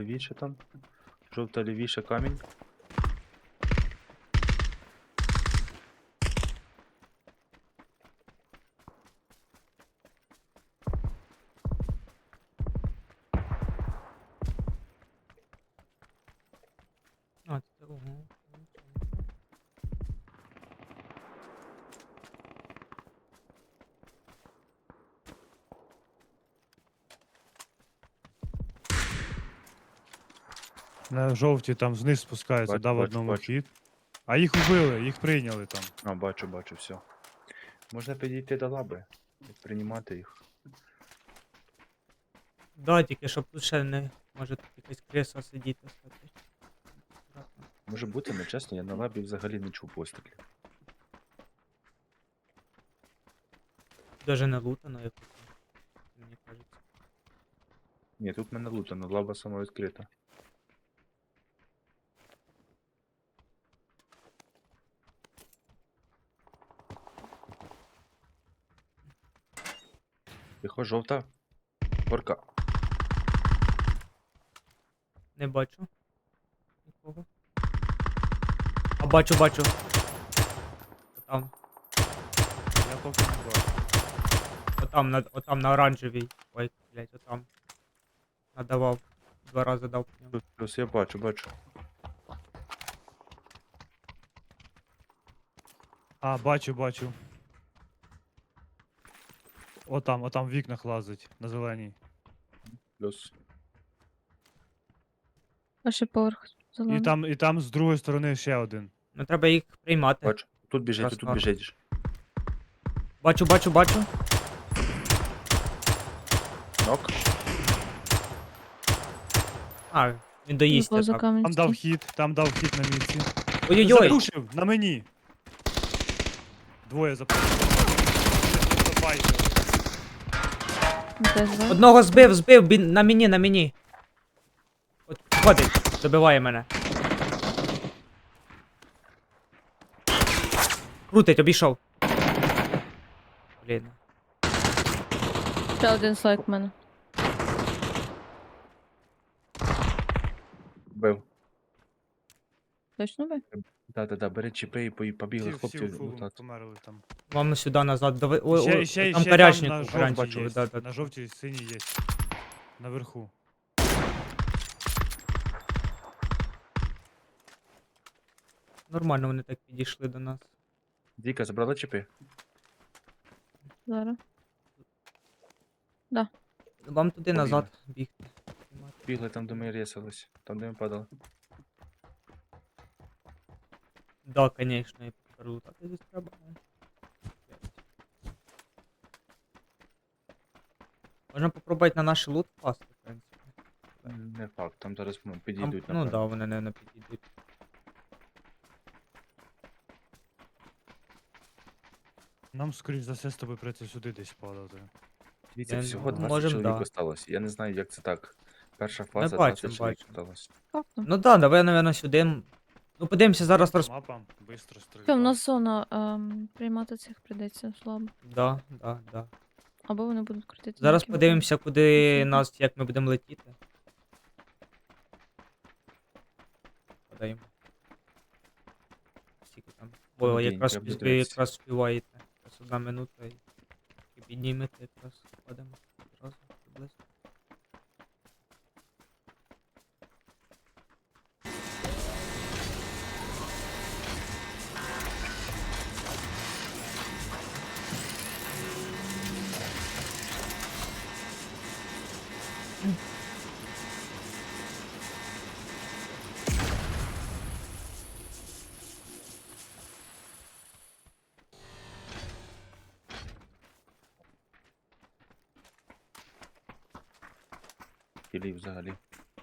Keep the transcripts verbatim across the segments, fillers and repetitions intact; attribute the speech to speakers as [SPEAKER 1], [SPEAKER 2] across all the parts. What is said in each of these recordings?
[SPEAKER 1] Лівіше там. Жовта лівіше камінь.
[SPEAKER 2] А, це ого.
[SPEAKER 3] На жовті там вниз спускаються,
[SPEAKER 1] Бачу,
[SPEAKER 3] дав
[SPEAKER 1] бачу,
[SPEAKER 3] одному
[SPEAKER 1] бачу.
[SPEAKER 3] хід. А їх вбили, їх прийняли там.
[SPEAKER 1] А, бачу, бачу, все. Можна підійти до лаби і приймати їх.
[SPEAKER 2] Да, тільки щоб тут ще не може тут якась креса сидіти. кстати. Аккуратно.
[SPEAKER 1] Може бути, але чесно, я на лабі взагалі не чув пострілів.
[SPEAKER 2] Даже не лутано, як тут, мені кажеться.
[SPEAKER 1] Ні, тут мене лутано, лаба сама відкрита. Тихо, жовта. Горка.
[SPEAKER 2] Не бачу. Нікого. А бачу, бачу. Отам.
[SPEAKER 3] Я поки не бачу.
[SPEAKER 2] Отам на, отам на оранжевій. Ой, блядь, отам. Надавав. Два рази дав по ньому.
[SPEAKER 1] Плюс, плюс я бачу, бачу.
[SPEAKER 3] А, бачу, бачу. Отам, отам в вікнах лазить, на зеленій.
[SPEAKER 1] Плюс.
[SPEAKER 4] Перший поверх
[SPEAKER 3] І
[SPEAKER 4] зелений.
[SPEAKER 3] там, і там з другої сторони ще один.
[SPEAKER 2] Ну треба їх приймати.
[SPEAKER 1] Бачу. Тут біжить, тут
[SPEAKER 2] Красава.
[SPEAKER 1] біжить.
[SPEAKER 2] Бачу, бачу, бачу.
[SPEAKER 1] Нок.
[SPEAKER 2] А, він доїсть.
[SPEAKER 4] Поза
[SPEAKER 2] Так.
[SPEAKER 4] камінь
[SPEAKER 3] Там дав
[SPEAKER 4] стоїть.
[SPEAKER 3] хід, там дав хід на місці.
[SPEAKER 2] Ой-ой-ой!
[SPEAKER 3] Запушив, на мені. Двоє запушив.
[SPEAKER 4] Де два?
[SPEAKER 2] Одного збив, збив, бін- на мені, на мені. От, ходить, добиває мене. Крутить, обійшов. Блін.
[SPEAKER 4] Ще один слайк в мене.
[SPEAKER 1] Бив.
[SPEAKER 4] Точно би?
[SPEAKER 1] Да-да-да, бери чіпи і пої- побігли
[SPEAKER 3] Всі,
[SPEAKER 1] хлопці
[SPEAKER 3] всі фулом
[SPEAKER 1] лутати.
[SPEAKER 3] померли там.
[SPEAKER 2] Вам сюди назад. Давай.
[SPEAKER 3] І
[SPEAKER 2] Ой,
[SPEAKER 3] ще,
[SPEAKER 2] ой,
[SPEAKER 3] і ще, і
[SPEAKER 2] там
[SPEAKER 3] ще
[SPEAKER 2] корячник,
[SPEAKER 3] там на
[SPEAKER 2] був,
[SPEAKER 3] жовтій
[SPEAKER 2] оранжевий,
[SPEAKER 3] є.
[SPEAKER 2] да, да.
[SPEAKER 3] На жовтій синій є. Наверху.
[SPEAKER 2] Нормально вони так підійшли до нас.
[SPEAKER 1] Діка, забрала чіпи?
[SPEAKER 4] Зараз.
[SPEAKER 2] Вам туди
[SPEAKER 1] Побігли.
[SPEAKER 2] назад бігти.
[SPEAKER 1] Бігли там, де ми рісались. Там, де ми падали.
[SPEAKER 2] Да, конечно, і пролутати десь треба. Можна попробувати на наш лут впасти, в принципі.
[SPEAKER 1] Не факт, там зараз м,
[SPEAKER 2] Там,
[SPEAKER 1] підійдуть,
[SPEAKER 2] ну
[SPEAKER 1] напевно.
[SPEAKER 2] да, вони не, не підійдуть.
[SPEAKER 3] Нам, скоріш за все, з тобою прийти сюди десь падати.
[SPEAKER 1] Дивіться,
[SPEAKER 2] Я-
[SPEAKER 1] всього
[SPEAKER 2] ну,
[SPEAKER 1] двадцять
[SPEAKER 2] можем,
[SPEAKER 1] чоловік
[SPEAKER 2] да.
[SPEAKER 1] осталось. Я не знаю, як це так. Перша фаза,
[SPEAKER 2] бачим,
[SPEAKER 1] двадцять чоловік
[SPEAKER 2] бачим.
[SPEAKER 1] осталось.
[SPEAKER 4] Фактом.
[SPEAKER 2] Ну да, давай, наверное, сюди. Ну подивимося зараз роз...
[SPEAKER 3] Мапа, бистро стрільба.
[SPEAKER 4] Що, в нас зона, ем, приймати цих прийдеться слабо.
[SPEAKER 2] Да, да, да.
[SPEAKER 4] Або вони будуть крутити.
[SPEAKER 2] Зараз
[SPEAKER 4] ніякі
[SPEAKER 2] подивимося, куди
[SPEAKER 4] Мгм.
[SPEAKER 2] нас, як ми будемо летіти. Подаємо. Скільки там? Бо
[SPEAKER 1] День,
[SPEAKER 2] якраз
[SPEAKER 1] треба
[SPEAKER 2] ви
[SPEAKER 1] дивитися.
[SPEAKER 2] якраз співаєте. Якраз одна минута і, і піднімете якраз падемо одразу приблизно.
[SPEAKER 1] Тілі взагалі.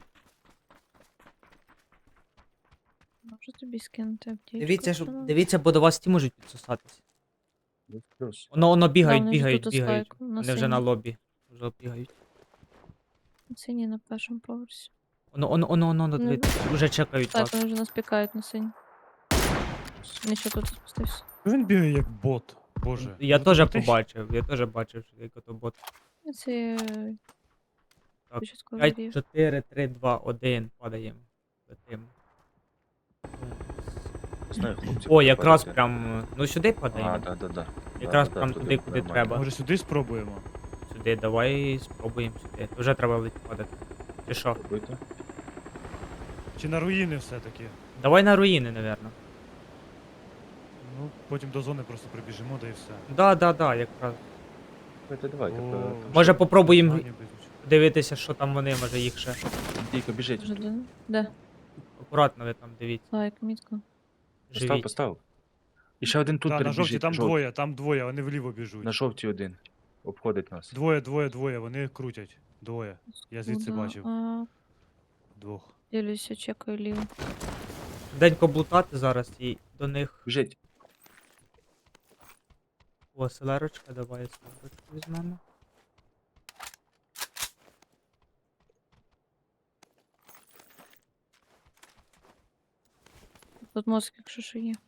[SPEAKER 4] Можу тобі скинути аптечку.
[SPEAKER 2] Дивіться,
[SPEAKER 4] якщо
[SPEAKER 2] щоб,
[SPEAKER 4] надо.
[SPEAKER 2] дивіться, бо до вас ті можуть підсосатися.
[SPEAKER 1] Плюс, плюс.
[SPEAKER 2] Воно, воно бігають,
[SPEAKER 4] вони вже
[SPEAKER 2] бігають,
[SPEAKER 4] тут
[SPEAKER 2] бігають.
[SPEAKER 4] ослайку, на
[SPEAKER 2] Вони вже на
[SPEAKER 4] синій.
[SPEAKER 2] лобі. Вже бігають.
[SPEAKER 4] Синій на першому поверсі.
[SPEAKER 2] Воно, воно, воно, воно,
[SPEAKER 4] Ну,
[SPEAKER 2] диви- вже чекають
[SPEAKER 4] Так,
[SPEAKER 2] вас.
[SPEAKER 4] вони вже нас пікають на синій. Він ще тут спустився.
[SPEAKER 3] Він бігає як бот. Боже.
[SPEAKER 2] Я
[SPEAKER 3] ну
[SPEAKER 2] теж
[SPEAKER 3] ти- ти-
[SPEAKER 2] побачив, я теж бачив, що як ото бот.
[SPEAKER 4] І Ці... е,
[SPEAKER 2] Так,
[SPEAKER 4] Початковий
[SPEAKER 2] п'ять,
[SPEAKER 4] рів.
[SPEAKER 2] чотири, три, два, один. Падаємо. Летим.
[SPEAKER 1] Не знаю, хлопці.
[SPEAKER 2] О,
[SPEAKER 1] куди
[SPEAKER 2] якраз
[SPEAKER 1] падати.
[SPEAKER 2] прям. Ну сюди
[SPEAKER 1] А,
[SPEAKER 2] падаємо.
[SPEAKER 1] да, да, да.
[SPEAKER 2] Якраз
[SPEAKER 1] Да, да,
[SPEAKER 2] прям
[SPEAKER 1] да,
[SPEAKER 2] туди,
[SPEAKER 1] туди
[SPEAKER 2] куди
[SPEAKER 1] нормально.
[SPEAKER 2] треба.
[SPEAKER 3] Може сюди спробуємо?
[SPEAKER 2] Сюди, давай спробуємо сюди. Вже треба ледь падати. Чи що?
[SPEAKER 1] Пробуйте.
[SPEAKER 3] Чи на руїни все-таки?
[SPEAKER 2] Давай на руїни, напевно.
[SPEAKER 3] Ну, потім до зони просто прибіжимо, да і все.
[SPEAKER 2] Да, да, да, якраз.
[SPEAKER 1] Давайте, давайте.
[SPEAKER 3] О,
[SPEAKER 1] по-
[SPEAKER 2] Може попробуємо
[SPEAKER 3] Знання без нічого.
[SPEAKER 2] дивитися, що там вони, може їх ще.
[SPEAKER 1] Дійко, біжить.
[SPEAKER 4] Вже де? Де?
[SPEAKER 2] Акуратно ви там дивіться.
[SPEAKER 4] Лайк, мітка.
[SPEAKER 1] Постав,
[SPEAKER 2] Живіть.
[SPEAKER 1] постав. І ще один тут
[SPEAKER 3] Та, на
[SPEAKER 1] перебіжить.
[SPEAKER 3] жовті там
[SPEAKER 1] жов-
[SPEAKER 3] двоє, там двоє, вони вліво біжуть.
[SPEAKER 1] На жовті один. Обходить нас.
[SPEAKER 3] Двоє, двоє, двоє, вони крутять. Двоє. Я звідси
[SPEAKER 4] Куда?
[SPEAKER 3] бачив.
[SPEAKER 4] А,
[SPEAKER 3] Двох.
[SPEAKER 4] ділюся, чекаю ліво.
[SPEAKER 2] Денько блутати зараз і до них.
[SPEAKER 1] Біжить.
[SPEAKER 2] О, селерочка, давай селерочку візьмемо.
[SPEAKER 4] Тут мозк, якщо що є.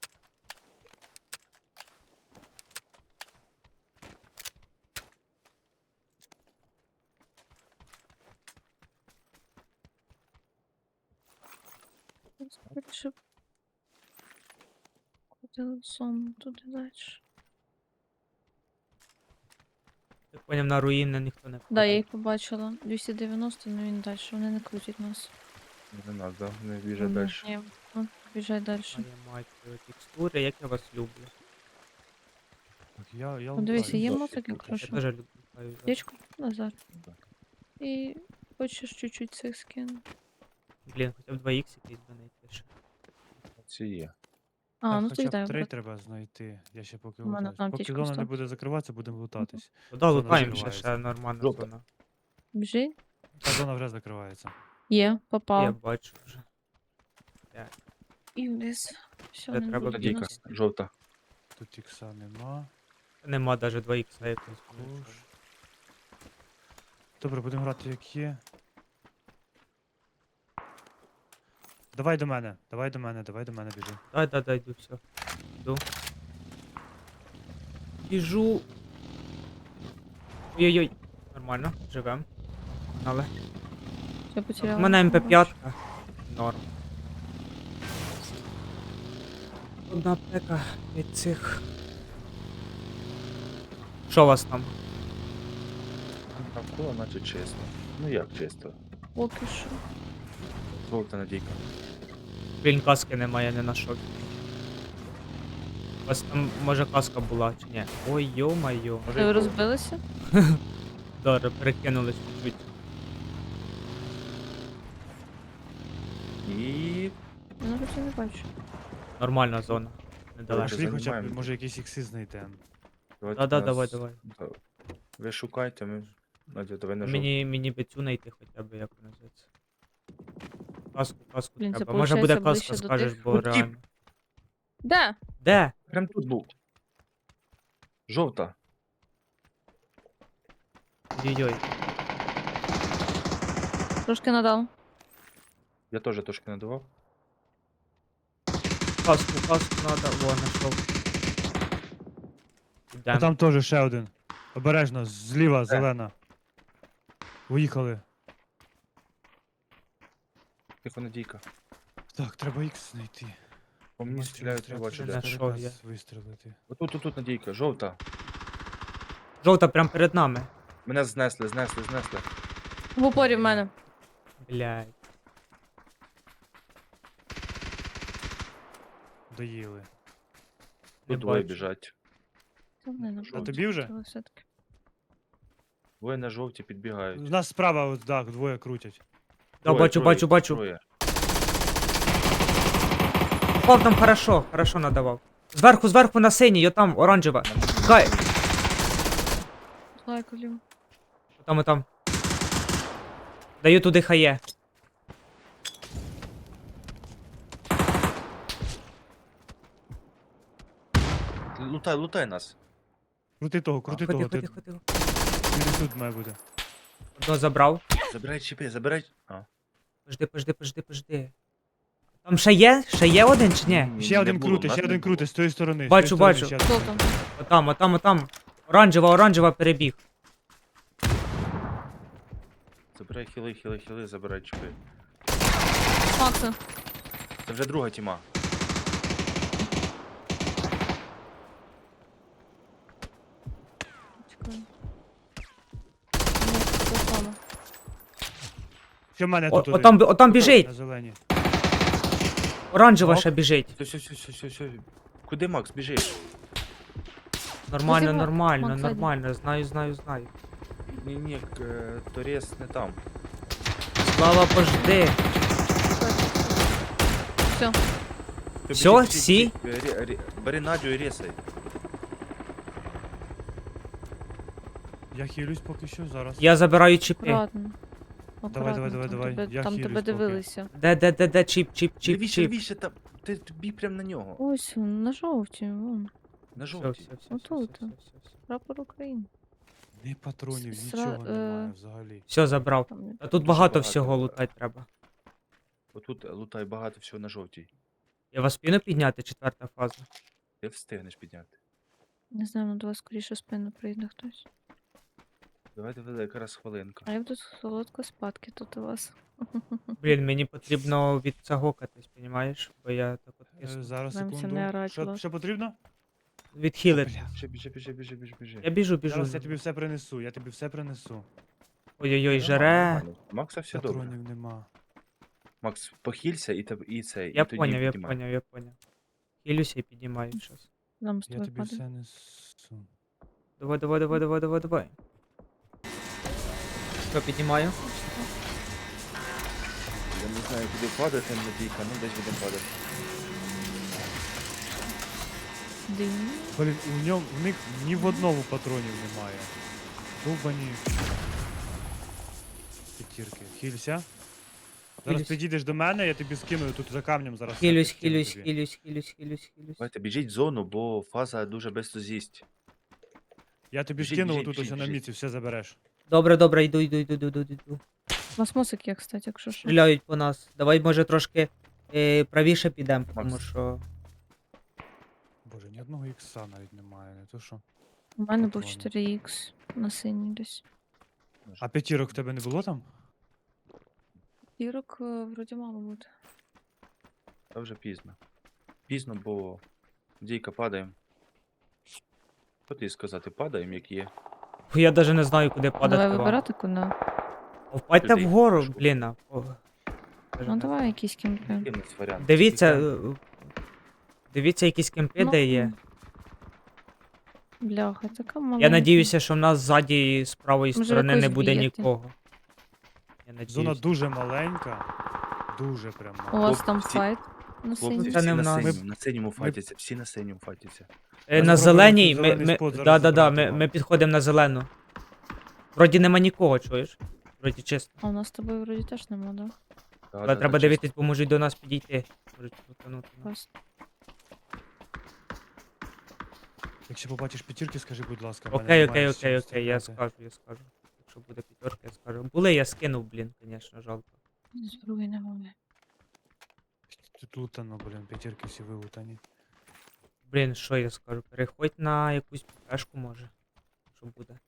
[SPEAKER 4] Скоріше. Куди сон, туди далі.
[SPEAKER 2] Так поняв, на руїни ніхто не
[SPEAKER 4] Да, я
[SPEAKER 2] падає.
[SPEAKER 4] їх побачила. двісті дев'яносто, ну він далі. Вони не крутять нас.
[SPEAKER 1] Не нас, да? Не біже
[SPEAKER 4] Ні,
[SPEAKER 1] далі.
[SPEAKER 4] Ні, ну, біжай далі.
[SPEAKER 2] А я маю текстури, як я вас люблю.
[SPEAKER 3] Так, я, я
[SPEAKER 4] Ну, дивися,
[SPEAKER 3] лутаю.
[SPEAKER 4] є
[SPEAKER 1] да,
[SPEAKER 4] мотик,
[SPEAKER 1] я
[SPEAKER 4] якщо
[SPEAKER 2] Я
[SPEAKER 4] що.
[SPEAKER 2] теж люблю. лутаю зараз.
[SPEAKER 4] Печку назад.
[SPEAKER 1] Да.
[SPEAKER 4] І хочеш чуть-чуть цих скину.
[SPEAKER 2] Блін, хоча б два ікс якийсь би знайти ще.
[SPEAKER 1] Ці є.
[SPEAKER 4] А,
[SPEAKER 3] Так,
[SPEAKER 4] ну
[SPEAKER 3] хоча
[SPEAKER 4] то
[SPEAKER 3] б
[SPEAKER 4] дай.
[SPEAKER 3] три
[SPEAKER 4] брат.
[SPEAKER 3] треба знайти. Я ще поки
[SPEAKER 4] У мене
[SPEAKER 3] лутаюсь.
[SPEAKER 4] там
[SPEAKER 3] Поки
[SPEAKER 4] аптечка
[SPEAKER 3] зона не
[SPEAKER 4] встала.
[SPEAKER 3] буде закриватися, будемо лутатись.
[SPEAKER 2] Ну да,
[SPEAKER 3] Зона
[SPEAKER 2] лутаємо ще,
[SPEAKER 3] закривається.
[SPEAKER 2] ще нормальна
[SPEAKER 1] Жовта.
[SPEAKER 2] зона.
[SPEAKER 4] Біжи.
[SPEAKER 3] Та зона вже закривається.
[SPEAKER 4] Є,
[SPEAKER 2] Я
[SPEAKER 4] попав.
[SPEAKER 2] бачу вже.
[SPEAKER 4] І вниз. Все,
[SPEAKER 2] Де
[SPEAKER 4] не
[SPEAKER 2] треба
[SPEAKER 4] буде
[SPEAKER 1] Надійка.
[SPEAKER 4] нас.
[SPEAKER 1] Жовта.
[SPEAKER 3] Тут ікса нема.
[SPEAKER 2] Нема навіть два ікса якось.
[SPEAKER 3] Також. Добре, будемо грати як є. Давай до мене, давай до мене, давай до мене біжи.
[SPEAKER 2] Дай, дай, дай, йду, все. Йду. Біжу. Ой-ой-ой. Нормально, живем. Але.
[SPEAKER 4] Я
[SPEAKER 2] У
[SPEAKER 4] потеряла.
[SPEAKER 2] мене ем пе
[SPEAKER 4] Бачу.
[SPEAKER 2] п'ять. Норм. Одна пека від цих. Що у вас там?
[SPEAKER 1] Навколо, наче чисто. Ну як чисто?
[SPEAKER 4] Поки що.
[SPEAKER 1] Жовта надійка.
[SPEAKER 2] Блін, каски немає, не знайшов. У вас там може каска була чи ні? Ой, йо-майо.
[SPEAKER 1] Може,
[SPEAKER 4] Ви
[SPEAKER 1] і
[SPEAKER 4] розбилися?
[SPEAKER 2] Добре, перекинулись чуть-чуть.
[SPEAKER 1] І...
[SPEAKER 4] Ну, хоча не бачу.
[SPEAKER 2] Нормальна зона.
[SPEAKER 1] Давай,
[SPEAKER 2] Недалеко.
[SPEAKER 3] Пішли хоча б,
[SPEAKER 1] займаємо.
[SPEAKER 3] може якісь ікси знайдемо.
[SPEAKER 1] Давайте
[SPEAKER 2] Да-да,
[SPEAKER 1] нас-
[SPEAKER 2] давай, давай.
[SPEAKER 1] Да. Ви шукайте, ми... Надя, давай на жовту.
[SPEAKER 2] Мені, мені би цю знайти хоча б, як вона називається. Каску, каску
[SPEAKER 4] Блін, це
[SPEAKER 2] треба. Може буде
[SPEAKER 4] получається
[SPEAKER 2] каска,
[SPEAKER 4] ближче до
[SPEAKER 2] скажеш,
[SPEAKER 4] тих.
[SPEAKER 2] бо
[SPEAKER 1] От тіп.
[SPEAKER 2] реально.
[SPEAKER 4] Де?
[SPEAKER 2] Де?
[SPEAKER 1] Прям тут був. Жовта.
[SPEAKER 2] Ой-ой.
[SPEAKER 4] Трошки надав.
[SPEAKER 1] Я теж трошки надавав.
[SPEAKER 2] Каску, каску надо. О, знайшов.
[SPEAKER 3] А
[SPEAKER 2] Ідем.
[SPEAKER 3] там теж ще один. Обережно, зліва, зелена. Виїхали.
[SPEAKER 1] Тихо, надійка.
[SPEAKER 3] Так, треба ікс знайти.
[SPEAKER 1] По мені
[SPEAKER 3] Нема
[SPEAKER 1] стріляють,
[SPEAKER 3] чого,
[SPEAKER 1] треба чи
[SPEAKER 3] треба
[SPEAKER 1] де.
[SPEAKER 2] Знайшов
[SPEAKER 3] старика
[SPEAKER 2] я.
[SPEAKER 3] з- вистрілити.
[SPEAKER 1] Отут, отут надійка, жовта.
[SPEAKER 2] Жовта прям перед нами.
[SPEAKER 1] Мене знесли, знесли, знесли.
[SPEAKER 4] В упорі в мене.
[SPEAKER 2] Блядь.
[SPEAKER 3] Доїли.
[SPEAKER 2] Не
[SPEAKER 1] Тут двоє
[SPEAKER 2] бачу.
[SPEAKER 1] біжать.
[SPEAKER 4] Та вони на
[SPEAKER 1] Що,
[SPEAKER 3] тобі вже?
[SPEAKER 4] все-таки.
[SPEAKER 1] Двоє на жовті підбігають.
[SPEAKER 3] У нас справа, от, так, двоє крутять.
[SPEAKER 2] Да,
[SPEAKER 1] Троє,
[SPEAKER 2] бачу,
[SPEAKER 1] троє,
[SPEAKER 2] бачу, бачу.
[SPEAKER 1] троє.
[SPEAKER 2] Попав там хорошо, хорошо надавав. Зверху, зверху на синій, отам, оранжева. Гай!
[SPEAKER 4] Лайк вліво.
[SPEAKER 2] Отам, отам. Даю туди хає.
[SPEAKER 1] Лутай, лутай нас.
[SPEAKER 3] Крути того, крути
[SPEAKER 2] Ходи,
[SPEAKER 3] того.
[SPEAKER 2] ходи,
[SPEAKER 3] Ти...
[SPEAKER 2] ходи.
[SPEAKER 3] Він тут має бути.
[SPEAKER 2] Одного забрав.
[SPEAKER 1] Забирай чіпи, забирай. А.
[SPEAKER 2] Пожди, пожди, пожди, пожди. Там ще є? Ще є один чи ні?
[SPEAKER 1] Ні,
[SPEAKER 3] Ще
[SPEAKER 1] не
[SPEAKER 3] один
[SPEAKER 1] було,
[SPEAKER 3] крутий,
[SPEAKER 1] нас
[SPEAKER 3] ще
[SPEAKER 1] не
[SPEAKER 3] один
[SPEAKER 1] було.
[SPEAKER 3] крутий, з тої сторони. з
[SPEAKER 2] Бачу,
[SPEAKER 3] тої сторони
[SPEAKER 2] бачу.
[SPEAKER 3] ще один.
[SPEAKER 4] Хто там?
[SPEAKER 2] Отам, отам, отам. Оранжева, оранжева перебіг.
[SPEAKER 1] Це Забирай хіли, хіли, хіли, забирай чіпи.
[SPEAKER 4] Макса.
[SPEAKER 1] Це вже друга тіма.
[SPEAKER 4] Чекай. Ні, це саме.
[SPEAKER 3] Що в мене
[SPEAKER 2] О,
[SPEAKER 3] тут?
[SPEAKER 2] отам,
[SPEAKER 3] один?
[SPEAKER 2] бі- отам біжить.
[SPEAKER 3] На зелені.
[SPEAKER 2] Оранжева
[SPEAKER 3] Нок.
[SPEAKER 2] ще біжить.
[SPEAKER 1] Все, все, все, все, все. Куди Макс, біжи?
[SPEAKER 2] Нормально,
[SPEAKER 4] Визивай.
[SPEAKER 2] нормально,
[SPEAKER 4] Макс, ззаді.
[SPEAKER 2] нормально. Знаю, знаю, знаю.
[SPEAKER 1] Ні, ні, е, Торіс не там.
[SPEAKER 2] Слава пожди.
[SPEAKER 4] Все.
[SPEAKER 1] Ти
[SPEAKER 2] Всьо?
[SPEAKER 1] біжи, біжи,
[SPEAKER 2] Всі?
[SPEAKER 1] біжи. Ре- ре- Бери Надю і ресай.
[SPEAKER 3] Я хилюсь поки що зараз.
[SPEAKER 2] Я забираю чіпи.
[SPEAKER 4] Акуратно.
[SPEAKER 3] Давай, давай,
[SPEAKER 4] Акуратно,
[SPEAKER 3] давай,
[SPEAKER 4] там
[SPEAKER 3] давай.
[SPEAKER 4] тебе-
[SPEAKER 3] Я
[SPEAKER 4] Там
[SPEAKER 3] хилюсь
[SPEAKER 4] тебе
[SPEAKER 3] поки.
[SPEAKER 4] дивилися.
[SPEAKER 2] Де, де, де, де, чіп, чіп, чіп,
[SPEAKER 1] Лівіше,
[SPEAKER 2] чіп.
[SPEAKER 1] лівіше, там. Ти тобі прям на нього.
[SPEAKER 4] Ось він, на жовті, вон.
[SPEAKER 1] На
[SPEAKER 2] Все,
[SPEAKER 1] жовтій.
[SPEAKER 2] все, все, все,
[SPEAKER 4] Отут.
[SPEAKER 2] все, все, все.
[SPEAKER 4] Прапор України.
[SPEAKER 3] Ні патронів,
[SPEAKER 4] С-
[SPEAKER 3] нічого
[SPEAKER 4] сра-
[SPEAKER 3] немає
[SPEAKER 4] е,
[SPEAKER 3] взагалі.
[SPEAKER 2] Все забрав.
[SPEAKER 4] Там не-
[SPEAKER 2] А тут
[SPEAKER 1] Дуже
[SPEAKER 2] багато
[SPEAKER 1] багато.
[SPEAKER 2] всього лутати треба.
[SPEAKER 1] Отут лутай багато всього на жовтій.
[SPEAKER 2] Я вас спину підняти, четверта фаза.
[SPEAKER 1] Ти встигнеш підняти.
[SPEAKER 4] Не знаю, ну до вас скоріше спину прийде хтось.
[SPEAKER 1] Давай, давай, якраз хвилинка.
[SPEAKER 4] А я буду солодко спадки тут у вас.
[SPEAKER 2] Блін, мені потрібно відцягокатись, понімаєш? Бо я так от
[SPEAKER 3] Е,
[SPEAKER 2] кисну.
[SPEAKER 3] Зараз,
[SPEAKER 4] Нам це
[SPEAKER 3] секунду.
[SPEAKER 4] не орать,
[SPEAKER 3] Що,
[SPEAKER 4] Влад.
[SPEAKER 3] що потрібно?
[SPEAKER 2] Відхилити.
[SPEAKER 3] Бля.
[SPEAKER 1] Біжи, біжи, біжи, біжи, біжи, біжи.
[SPEAKER 2] Я біжу, біжу.
[SPEAKER 3] Зараз я тобі все принесу, я тобі все принесу.
[SPEAKER 2] Ой-ой-ой,
[SPEAKER 1] Нормально,
[SPEAKER 2] жере.
[SPEAKER 1] нормально. Макса все добре.
[SPEAKER 3] Патронів нема.
[SPEAKER 1] Макс, похилься і, теб- і цей.
[SPEAKER 2] Я
[SPEAKER 1] і тоді
[SPEAKER 2] поняв, я
[SPEAKER 1] піднімай.
[SPEAKER 2] поняв, я поняв. Хилюся і піднімаю щас.
[SPEAKER 4] Нам з
[SPEAKER 3] Я
[SPEAKER 4] тобою
[SPEAKER 3] тобі
[SPEAKER 4] падає.
[SPEAKER 3] все несу.
[SPEAKER 2] Давай, давай, давай, давай, давай, давай. Що, піднімаю?
[SPEAKER 1] Я не знаю, куди падати, Надійка, ну десь буде падати.
[SPEAKER 4] Дим.
[SPEAKER 3] Блін, у ньому, в них ні в одному патронів немає. Довбані. П'ятірки. Хілься. Зараз
[SPEAKER 2] Хилюсь.
[SPEAKER 3] підійдеш до мене, я тобі скину тут за камнем зараз. все
[SPEAKER 2] Хилюсь,
[SPEAKER 3] підкину
[SPEAKER 2] хилюсь,
[SPEAKER 3] тобі.
[SPEAKER 2] хилюсь, хилюсь, хилюсь, хилюсь.
[SPEAKER 1] Давайте, біжіть в зону, бо фаза дуже швидко з'їсть.
[SPEAKER 3] Я тобі
[SPEAKER 1] Біжіть,
[SPEAKER 3] скину
[SPEAKER 1] біжіть,
[SPEAKER 3] тут ось
[SPEAKER 1] біжіть,
[SPEAKER 3] на
[SPEAKER 1] біжіть.
[SPEAKER 3] міці, все забереш.
[SPEAKER 2] Добре, добре, йду, йду, йду, йду, йду, йду.
[SPEAKER 4] У вас мозок є, кстати, якщо що.
[SPEAKER 2] Стріляють по нас. Давай, може, трошки е, правіше підемо, тому
[SPEAKER 1] Макс.
[SPEAKER 2] що.
[SPEAKER 3] Боже, ні одного ікса навіть немає, не то що.
[SPEAKER 4] У мене був
[SPEAKER 3] Патрони.
[SPEAKER 4] чотири ікс на синій десь.
[SPEAKER 3] А п'ятірок в тебе не було там?
[SPEAKER 4] Дірок е, вроді мало бути.
[SPEAKER 1] Та вже пізно. Пізно, бо Дійка падаємо. Що тобі сказати, падаємо, як є.
[SPEAKER 2] Фу, я навіть не знаю, куди падати.
[SPEAKER 4] Давай
[SPEAKER 2] вам.
[SPEAKER 4] вибирати куди.
[SPEAKER 2] О, Впадьте
[SPEAKER 1] Туди,
[SPEAKER 2] вгору,
[SPEAKER 1] пішов.
[SPEAKER 2] блін. а, о. Даже
[SPEAKER 4] Ну
[SPEAKER 2] не
[SPEAKER 4] давай
[SPEAKER 2] знаю.
[SPEAKER 4] якийсь кемпи.
[SPEAKER 1] Який в нас варіант?
[SPEAKER 2] Дивіться,
[SPEAKER 1] Тільки-
[SPEAKER 2] е, дивіться якісь кемпи, де є.
[SPEAKER 4] Бляха, така маленька.
[SPEAKER 2] Я надіюся, що в нас ззаді з правої
[SPEAKER 4] Може,
[SPEAKER 2] сторони не
[SPEAKER 4] якось
[SPEAKER 2] буде
[SPEAKER 4] б'єте.
[SPEAKER 2] нікого. Я
[SPEAKER 3] Зона
[SPEAKER 2] надіюсь.
[SPEAKER 3] дуже маленька. Дуже прям
[SPEAKER 4] У
[SPEAKER 3] маленька.
[SPEAKER 4] вас там
[SPEAKER 1] Хлопці,
[SPEAKER 4] файт на
[SPEAKER 1] Хлопці,
[SPEAKER 4] синій.
[SPEAKER 2] Це
[SPEAKER 1] всі
[SPEAKER 2] не в
[SPEAKER 1] на
[SPEAKER 2] нас.
[SPEAKER 1] синьому, на синьому файтяться, всі на синьому файтяться.
[SPEAKER 2] Е,
[SPEAKER 3] Я
[SPEAKER 2] на
[SPEAKER 3] спробую
[SPEAKER 2] зеленій,
[SPEAKER 3] тут
[SPEAKER 2] ми,
[SPEAKER 3] зелений
[SPEAKER 2] ми,
[SPEAKER 3] спот зараз
[SPEAKER 2] да, да, да,
[SPEAKER 3] забрати
[SPEAKER 2] ми,
[SPEAKER 3] вам.
[SPEAKER 2] ми підходимо на зелену. Вроді нема нікого, чуєш? Вроді чисто.
[SPEAKER 4] А у нас з тобою вроді теж нема, да?
[SPEAKER 1] Да,
[SPEAKER 2] Але
[SPEAKER 1] да,
[SPEAKER 2] треба
[SPEAKER 1] да,
[SPEAKER 2] дивитись, бо можуть до нас підійти. Можуть крутанути нас.
[SPEAKER 4] Класно.
[SPEAKER 3] Якщо побачиш п'ятірки, скажи, будь ласка. в мене
[SPEAKER 2] Окей,
[SPEAKER 3] немає
[SPEAKER 2] окей,
[SPEAKER 3] з чим
[SPEAKER 2] окей, окей, я
[SPEAKER 3] стріляти.
[SPEAKER 2] скажу, я скажу. Якщо буде п'ятерка, я скажу. Були, я скинув, блін, звісно, жалко.
[SPEAKER 4] Зброї немає.
[SPEAKER 3] Тут лутано, блін, п'ятірки всі вилутані.
[SPEAKER 2] Блін, що я скажу? Переходь на якусь пешку, може. Що буде.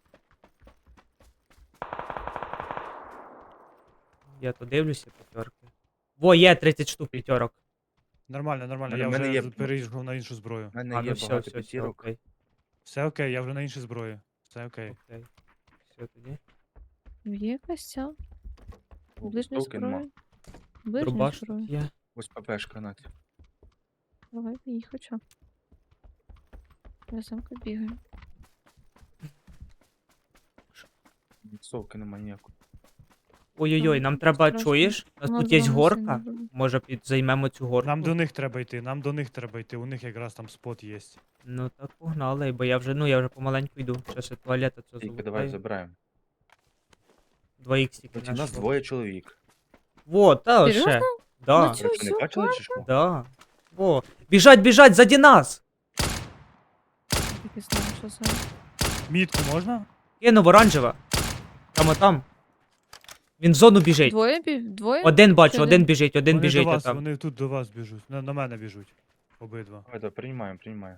[SPEAKER 2] Я то дивлюся п'ятерки. Во, є тридцять штук п'ятерок.
[SPEAKER 3] Нормально, нормально,
[SPEAKER 1] Мене-
[SPEAKER 3] я
[SPEAKER 1] мене
[SPEAKER 3] вже
[SPEAKER 1] є-
[SPEAKER 3] з- переїхав на іншу зброю.
[SPEAKER 1] У мене
[SPEAKER 2] А,
[SPEAKER 1] є
[SPEAKER 2] ну все,
[SPEAKER 1] багато
[SPEAKER 2] все, все,
[SPEAKER 1] п'ятірок.
[SPEAKER 2] окей.
[SPEAKER 3] Все окей, я вже на іншій зброї. Все окей.
[SPEAKER 2] Окей. Все тоді.
[SPEAKER 4] Є якась ця?
[SPEAKER 1] О,
[SPEAKER 4] Ближня
[SPEAKER 1] толки нема.
[SPEAKER 4] зброя? Ближня
[SPEAKER 2] Дробаш тут
[SPEAKER 4] зброя.
[SPEAKER 2] є.
[SPEAKER 1] Ось ППшка, Надь.
[SPEAKER 4] Давай, їй хоча. Я самка бігаю.
[SPEAKER 1] Совки нема ніякої.
[SPEAKER 2] Ой-ой-ой,
[SPEAKER 4] Ну,
[SPEAKER 2] нам треба,
[SPEAKER 4] страшно.
[SPEAKER 2] чуєш? У нас
[SPEAKER 4] У
[SPEAKER 2] тут
[SPEAKER 4] нас
[SPEAKER 2] є
[SPEAKER 4] зона
[SPEAKER 2] горка.
[SPEAKER 4] сильно буде.
[SPEAKER 2] Може під займемо цю горку.
[SPEAKER 3] Нам до них треба йти, нам до них треба йти, у них якраз там спот є.
[SPEAKER 2] Ну так погнали, бо я вже, ну я вже помаленьку йду. Щас я туалета це
[SPEAKER 1] Дійка, давай
[SPEAKER 2] залутаю.
[SPEAKER 1] забираємо.
[SPEAKER 2] Два іксики
[SPEAKER 1] Значить, у нас двоє чоловік.
[SPEAKER 2] Во, та ще.
[SPEAKER 4] Серйозно?
[SPEAKER 2] Да,
[SPEAKER 4] Ну, цю
[SPEAKER 1] Ви що, не
[SPEAKER 4] всю
[SPEAKER 1] бачили чи що?
[SPEAKER 2] да. Во. Біжать, біжать, заді нас!
[SPEAKER 4] Так і знаю, що це.
[SPEAKER 3] Мітку можна?
[SPEAKER 2] Кинув оранжева. Там там. Він в зону біжить.
[SPEAKER 4] Двоє бі... Двоє?
[SPEAKER 2] Один бачу,
[SPEAKER 4] Чи
[SPEAKER 2] один
[SPEAKER 4] один?
[SPEAKER 2] біжить, один
[SPEAKER 3] Вони
[SPEAKER 2] біжить
[SPEAKER 3] до вас,
[SPEAKER 2] отам.
[SPEAKER 3] вони тут до вас біжуть. На, на мене біжуть. Обидва.
[SPEAKER 1] Давай, давай, приймаємо, приймаємо.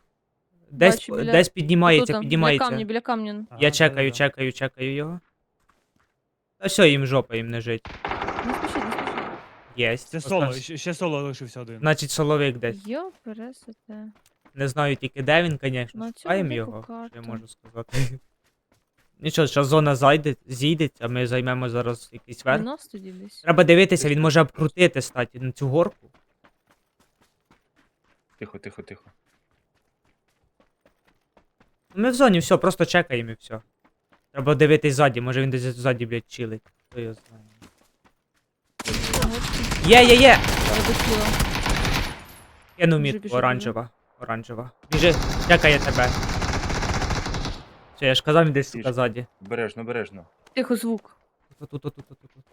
[SPEAKER 2] Десь,
[SPEAKER 4] Бачу, біля-
[SPEAKER 2] десь піднімається,
[SPEAKER 4] Отут, Біля
[SPEAKER 2] піднімається.
[SPEAKER 4] камня, біля камня.
[SPEAKER 3] Ага,
[SPEAKER 2] Я чекаю,
[SPEAKER 3] да-да-да.
[SPEAKER 2] чекаю, чекаю його. Та все, їм жопа, їм не жить.
[SPEAKER 4] Не спішіть, не спішіть.
[SPEAKER 2] Єсть.
[SPEAKER 3] Це
[SPEAKER 2] Ось
[SPEAKER 3] соло,
[SPEAKER 2] там-
[SPEAKER 3] ще, ще соло лишився один.
[SPEAKER 2] Значить, соловик десь.
[SPEAKER 4] Йо, пересите.
[SPEAKER 2] Не знаю тільки де він, звісно.
[SPEAKER 4] На цю
[SPEAKER 2] Шукаємо
[SPEAKER 4] велику
[SPEAKER 2] його, що я
[SPEAKER 4] карту.
[SPEAKER 2] можу сказати. Нічого, зараз зона зайде, зійде, а ми займемо зараз якийсь верх.
[SPEAKER 4] У нас тоді десь.
[SPEAKER 2] Треба дивитися, він може обкрутити статі на цю горку.
[SPEAKER 1] Тихо, тихо, тихо.
[SPEAKER 2] Ми в зоні, все, просто чекаємо і все. Треба дивитись ззаді, може він десь ззаді, блядь, чилить. Хто його знає. Є, є, є!
[SPEAKER 4] Я дотіла.
[SPEAKER 2] Кину
[SPEAKER 4] Біжи,
[SPEAKER 2] мітку,
[SPEAKER 4] біжи,
[SPEAKER 2] оранжева. Оранжева. Біжи, чекає тебе. Все, я ж казав, він десь сука
[SPEAKER 1] Біжи.
[SPEAKER 2] ззаді.
[SPEAKER 1] Бережно, бережно.
[SPEAKER 4] Тихо, звук.
[SPEAKER 2] Тут, тут, тут, тут, тут, тут.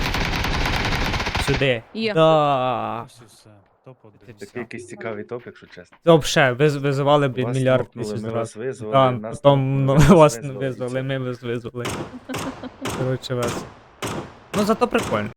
[SPEAKER 2] Сюди.
[SPEAKER 4] Є.
[SPEAKER 2] Да.
[SPEAKER 3] Ось і все. Топ один.
[SPEAKER 2] Це
[SPEAKER 1] Такий якийсь цікавий топ, якщо чесно.
[SPEAKER 2] Вообще, виз, визивали, блін,
[SPEAKER 1] Вас
[SPEAKER 2] мільярд
[SPEAKER 1] нокнули,
[SPEAKER 2] тисяч
[SPEAKER 1] ми
[SPEAKER 2] раз.
[SPEAKER 1] вас визвали,
[SPEAKER 2] Да,
[SPEAKER 1] нас
[SPEAKER 2] потім
[SPEAKER 1] нокнули,
[SPEAKER 2] ну,
[SPEAKER 1] ви
[SPEAKER 2] вас
[SPEAKER 1] нас
[SPEAKER 2] не
[SPEAKER 1] визвали, і
[SPEAKER 2] визвали,
[SPEAKER 1] це.
[SPEAKER 2] ми вас визвали. Коротше вас. Ну зато прикольно.